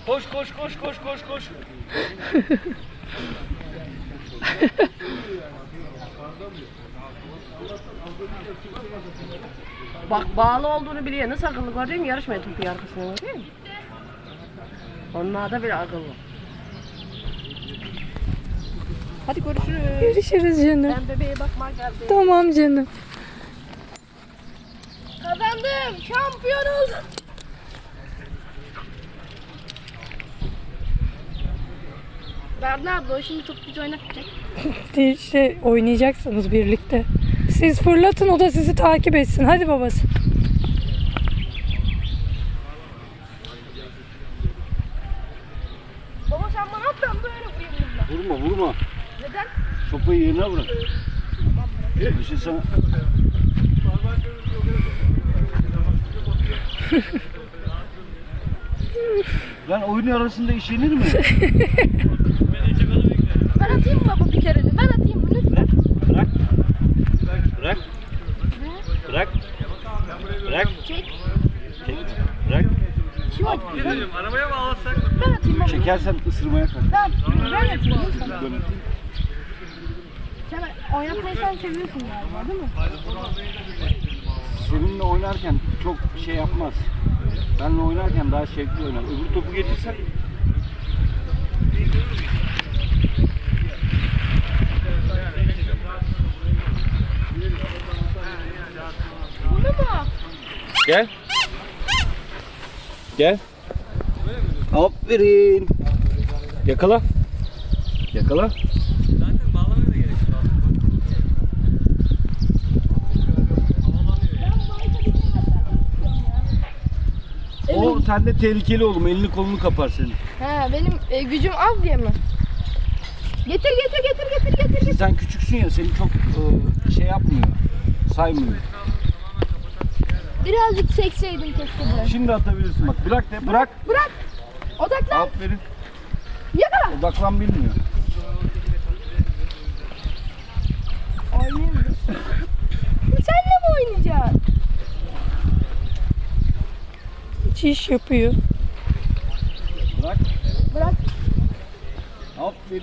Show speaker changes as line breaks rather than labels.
Koş koş koş koş koş koş.
Bak bağlı olduğunu biliyor. Nasıl akıllı gördün mü? Yarışmaya topu arkasına gördün mü? Onlar da bir akıllı. Hadi görüşürüz.
Görüşürüz canım.
Ben bebeğe bakmaya geldim.
Tamam canım.
Kazandım. Şampiyon oldum. Berna abla o şimdi topu bize oynatacak.
İşte oynayacaksınız birlikte. Siz fırlatın, o da sizi takip etsin. Hadi babası.
Baba sen bana at, ben böyle vurayım bunda.
Vurma vurma.
Neden?
Sopayı yerine bırak. Bir şey sana... Lan oyun arasında iş yenir mi?
Ben atayım mı baba bir kere de? Ben atayım mı lütfen?
Bırak. Bırak. Bırak. Bırak.
Çek.
Çek. Bırak.
Şimdi atayım.
Arabaya mı alırsak?
Ben atayım baba.
Çekersen ısırmaya kalk.
Ben atayım lütfen.
Dön.
Sen oynatmayı sen seviyorsun galiba değil mi?
Seninle oynarken çok şey yapmaz. Benle oynarken daha şevkli oynar. Öbür topu getirsen
Bunu mu?
gel. Gel. Aferin. Yakala. Yakala.
Zaten bağlamaya da gerek yok.
O sende tehlikeli oğlum. Elini kolunu kapar senin.
He benim gücüm az diye mi? Getir.
Sen küçüksün ya, seni çok şey yapmıyor. Saymıyor.
Birazcık çekseydim keşke de.
Şimdi atabilirsin bak. Bırak de, bırak.
Bırak. Odaklan.
Aferin.
Yakala.
Odaklan bilmiyor.
Oynayayım. Senle mi oynayacaksın?
Hiç iş yapıyor.